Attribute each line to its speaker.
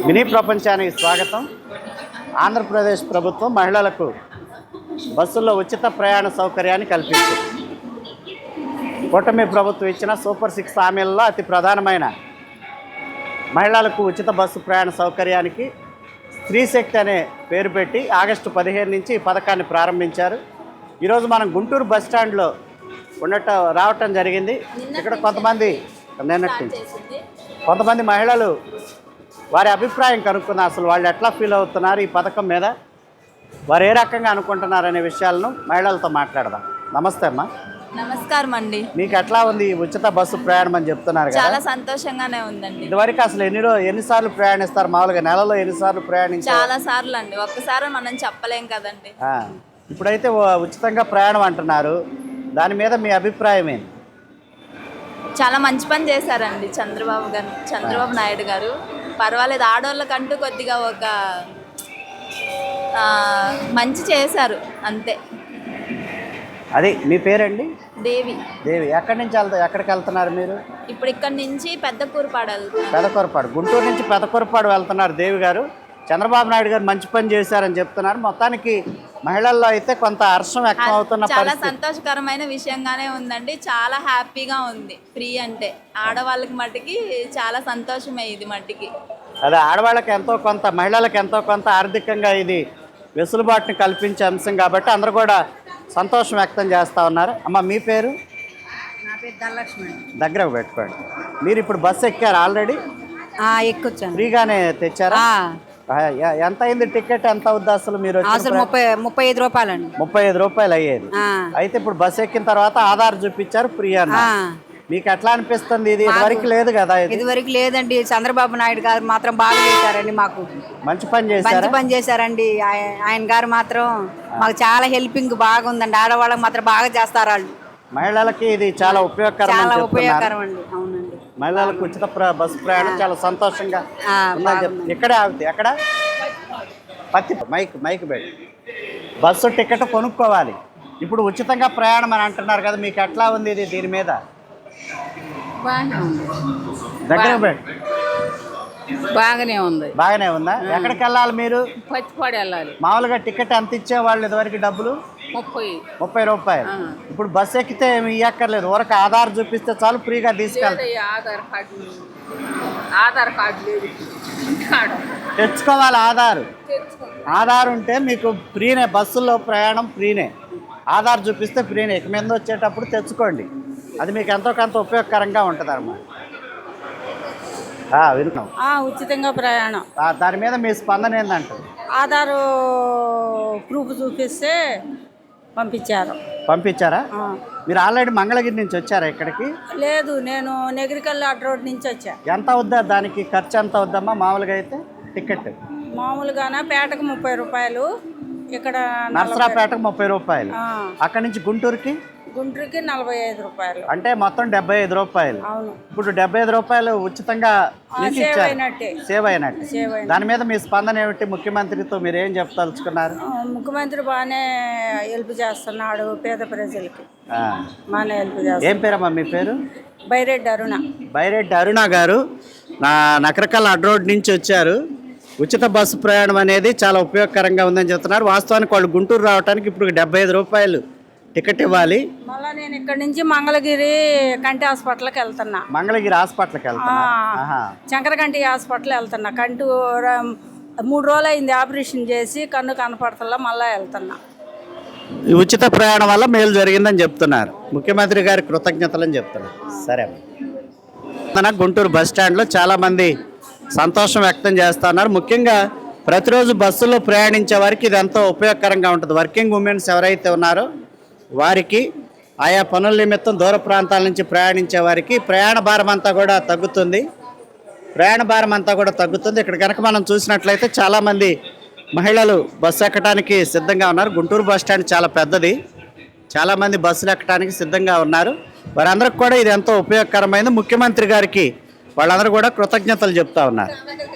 Speaker 1: Mini ప్రపంచానికి స్వాగతం. ఆంధ్రప్రదేశ్ ప్రభుత్వం మహిళలకు బస్సుల్లో ఉచిత ప్రయాణ సౌకర్యాన్ని కల్పించింది. కూటమి ప్రభుత్వం ఇచ్చిన సూపర్ 6 హామీలలో అతి ప్రధానమైన మహిళలకు ఉచిత బస్సు ప్రయాణ సౌకర్యానికి స్త్రీ శక్తి అనే పేరు పెట్టి ఆగస్టు 15 నుంచి ఈ పథకాన్ని ప్రారంభించారు. ఈరోజు మనం గుంటూరు బస్ స్టాండ్లో రావటం జరిగింది. ఇక్కడ కొంతమంది మహిళలు వారి అభిప్రాయం కనుక్కున్నారు. అసలు వాళ్ళు ఎట్లా ఫీల్ అవుతున్నారు ఈ పథకం మీద, వారు ఏ రకంగా అనుకుంటున్నారు అనే విషయాలను మహిళలతో మాట్లాడదాం. నమస్తే అమ్మా.
Speaker 2: నమస్కారం అండి.
Speaker 1: మీకు ఎట్లా ఉంది ఉచిత బస్సు ప్రయాణం అని చెప్తున్నారు కదా?
Speaker 2: చాలా సంతోషంగానే ఉందండి.
Speaker 1: ఇదివరకు అసలు ఎన్నిసార్లు ప్రయాణిస్తారు? మామూలుగా నెలలో ఎన్నిసార్లు ప్రయాణించారు?
Speaker 2: చాలా సార్లు అండి, ఒక్కసారి మనం చెప్పలేం కదండి.
Speaker 1: ఇప్పుడైతే ఉచితంగా ప్రయాణం అంటున్నారు, దాని మీద మీ అభిప్రాయం ఏంటి?
Speaker 2: చాలా మంచి పని చేశారండి చంద్రబాబు నాయుడు గారు. పర్వాలేదు, ఆడవాళ్ళకంటూ కొద్దిగా ఒక మంచి చేశారు అంతే.
Speaker 1: అది మీ పేరండి?
Speaker 2: దేవి.
Speaker 1: ఎక్కడికి వెళ్తున్నారు మీరు?
Speaker 2: ఇప్పుడు ఇక్కడ నుంచి
Speaker 1: పెదకూరపాడు, గుంటూరు నుంచి పెదకూరపాడు వెళ్తున్నారు దేవి గారు. చంద్రబాబు నాయుడు గారు మంచి పని చేశారని చెప్తున్నారు. మొత్తానికి మహిళల్లో అయితే కొంత హర్షం వ్యక్తం అవుతున్న
Speaker 2: చాలా సంతోషకరమైన విషయంగానే ఉందండి. చాలా హ్యాపీగా ఉంది. ఫ్రీ అంటే ఆడవాళ్ళకి మట్టికి చాలా సంతోషమే. ఇది మట్టికి
Speaker 1: అదే ఆడవాళ్ళకి ఎంతో కొంత, మహిళలకు ఎంతో కొంత ఆర్థికంగా ఇది వెసులుబాటుని కల్పించే అంశం కాబట్టి అందరూ కూడా సంతోషం వ్యక్తం చేస్తూ ఉన్నారు. అమ్మ మీ పేరు?
Speaker 3: నా పేరు ధనలక్ష్మి.
Speaker 1: దగ్గరకు పెట్టుకోండి. మీరు ఇప్పుడు బస్సు ఎక్కారు ఆల్రెడీ?
Speaker 3: ఎక్కొచ్చాను.
Speaker 1: ఫ్రీగానే తెచ్చారా? ఎంత అయింది టికెట్? ఎంత అవుద్ది అసలు? మీరు
Speaker 3: 35 రూపాయలండి.
Speaker 1: 35 రూపాయలు అయ్యేది. అయితే ఇప్పుడు బస్సు ఎక్కిన తర్వాత ఆధార్ చూపించారు, ఫ్రీ అన్న. మీకు ఎట్లా అనిపిస్తుంది? ఇది ఇదివరకు లేదు కదా?
Speaker 3: ఇదివరకు లేదండి. చంద్రబాబు నాయుడు గారు మాత్రం బాగా చేశారండి. మాకు మంచి పని చేశారండి. ఆయన గారు మాత్రం మాకు చాలా హెల్పింగ్ బాగుందండి. ఆడవాళ్ళకి మాత్రం బాగా చేస్తారు వాళ్ళు.
Speaker 1: మహిళలకి ఇది చాలా ఉపయోగకరం
Speaker 3: అండి. అవునండి,
Speaker 1: మహిళలకు ఉచిత బస్సు ప్రయాణం చాలా సంతోషంగా ఇక్కడే ఆగుతుంది. ఎక్కడ మైక్ పెట్టి బస్సు టికెట్ కొనుక్కోవాలి. ఇప్పుడు ఉచితంగా ప్రయాణం అని అంటున్నారు కదా, మీకు ఎట్లా ఉంది ఇది? దీని మీద దగ్గర పెట్టి
Speaker 3: బాగానే
Speaker 1: ఉందా? ఎక్కడికి వెళ్ళాలి మీరు?
Speaker 3: పచ్చిపాడు వెళ్ళాలి.
Speaker 1: మామూలుగా టికెట్ ఎంత ఇచ్చేవాళ్ళు ఇదివరకు? డబ్బులు 30 రూపాయలు. ఇప్పుడు బస్సు ఎక్కితే ఏమి ఇవ్వక్కర్లేదు, ఊరకు ఆధార్ చూపిస్తే చాలు, ఫ్రీగా తీసుకెళ్తారు.
Speaker 3: ఆధార్ కార్డు లేదు,
Speaker 1: తెచ్చుకోవాలి. ఆధార్ ఉంటే మీకు ఫ్రీనే, బస్సుల్లో ప్రయాణం ఫ్రీనే. ఆధార్ చూపిస్తే ఫ్రీనే. ఇక మీద వచ్చేటప్పుడు తెచ్చుకోండి, అది మీకు ఎంతో కొంత ఉపయోగకరంగా ఉంటుంది అన్నమాట. విన్నాం.
Speaker 3: ఉచితంగా ప్రయాణం.
Speaker 1: దాని మీద మీ స్పందన ఏంటంటారు?
Speaker 3: ఆధార్ ప్రూఫ్ చూపిస్తే
Speaker 1: పంపించారా? మీరు ఆల్రెడీ మంగళగిరి నుంచి వచ్చారా ఇక్కడికి?
Speaker 3: లేదు, నేను నెగిరికల్ రోడ్ నుంచి వచ్చా.
Speaker 1: ఎంత అవుద్దా దానికి ఖర్చు? ఎంత అవుద్దమ్మా మామూలుగా అయితే టికెట్?
Speaker 3: మామూలుగానే పేటకు 30 రూపాయలు, ఇక్కడ
Speaker 1: నర్సరాపేటకు 30 రూపాయలు, అక్కడి నుంచి గుంటూరుకి
Speaker 3: 45 రూపాయలు,
Speaker 1: అంటే మొత్తం 75 రూపాయలు. ఇప్పుడు 75 రూపాయలు ఉచితంగా సేవ్ అయినట్టు. దాని మీద మీ స్పందన ఏమిటి? ముఖ్యమంత్రితో మీరు ఏం చెప్పదలుచుకున్నారు?
Speaker 3: ముఖ్యమంత్రి బాగానే హెల్ప్ చేస్తున్నాడు పేద ప్రజలకి, బాగానే హెల్ప్ చేస్తున్నాడు.
Speaker 1: ఏం పేరమ్మా మీ పేరు?
Speaker 3: బైరెడ్డి
Speaker 1: అరుణ గారు నకరకల్ రోడ్ నుంచి వచ్చారు. ఉచిత బస్సు ప్రయాణం అనేది చాలా ఉపయోగకరంగా ఉందని చెప్తున్నారు. వాస్తవానికి వాళ్ళు గుంటూరు రావడానికి ఇప్పుడు 75 రూపాయలు టికెట్ ఇవ్వాలి.
Speaker 3: మళ్ళీ నేను ఇక్కడ నుంచి మంగళగిరి కంటి హాస్పిటల్కి వెళ్తున్నా.
Speaker 1: మంగళగిరి హాస్పిటల్కి వెళ్తున్నా?
Speaker 3: శంకరకంటి హాస్పిటల్ వెళ్తున్నా. కంటి 3 రోజులు అయింది ఆపరేషన్ చేసి, కన్ను కనపడతల్లా, మళ్ళీ వెళ్తున్నా.
Speaker 1: ఈ ఉచిత ప్రయాణం వల్ల మేలు జరిగిందని చెప్తున్నారు. ముఖ్యమంత్రి గారి కృతజ్ఞతలని చెప్తున్నారు. సరే, గుంటూరు బస్ స్టాండ్లో చాలామంది సంతోషం వ్యక్తం చేస్తున్నారు. ముఖ్యంగా ప్రతిరోజు బస్సులో ప్రయాణించే వారికి ఇది ఎంతో ఉపయోగకరంగా ఉంటుంది. వర్కింగ్ ఉమెన్స్ ఎవరైతే ఉన్నారో వారికి, ఆయా పనుల నిమిత్తం దూర ప్రాంతాల నుంచి ప్రయాణించే వారికి ప్రయాణ భారం అంతా కూడా తగ్గుతుంది. ఇక్కడ కనుక మనం చూసినట్లయితే చాలామంది మహిళలు బస్సు ఎక్కడానికి సిద్ధంగా ఉన్నారు. గుంటూరు బస్ స్టాండ్ చాలా పెద్దది, చాలామంది బస్సులు ఎక్కడానికి సిద్ధంగా ఉన్నారు. వారందరికి కూడా ఇది ఎంతో ఉపయోగకరమైంది. ముఖ్యమంత్రి గారికి వాళ్ళందరూ కూడా కృతజ్ఞతలు చెప్తా ఉన్నారు.